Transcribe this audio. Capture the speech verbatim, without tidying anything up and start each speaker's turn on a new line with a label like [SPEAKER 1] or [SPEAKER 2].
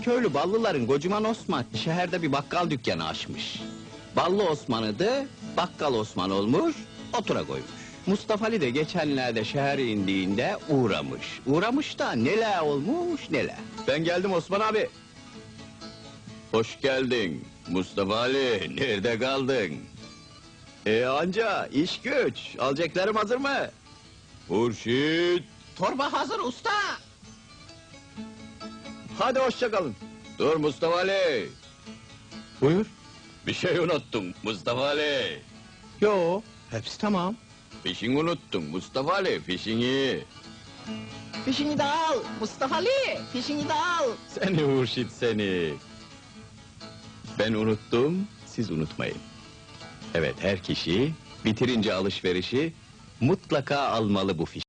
[SPEAKER 1] köylü Ballıların Kocaman Osman şehirde bir bakkal dükkanı açmış. Ballı Osman'ıdı, bakkal Osman olmuş, otura koymuş. Mustafa Ali de geçenlerde şehre indiğinde uğramış. Uğramış da neler olmuş neler. Ben geldim Osman abi. Hoş geldin Mustafa Ali, nerede kaldın? E anca iş güç, alacaklarım hazır mı? Hurşit! Torba hazır usta! Hadi hoşça kalın. Dur Mustafa Ali! Buyur. Bir şey unuttum Mustafa Ali. Yo, hepsi tamam. Fişini unuttun Mustafa Ali, fişini. Fişini de al Mustafa Ali, fişini de al. Seni Hurşit seni. Ben unuttum, siz unutmayın. Evet, her kişi bitirince alışverişi mutlaka almalı bu fişi.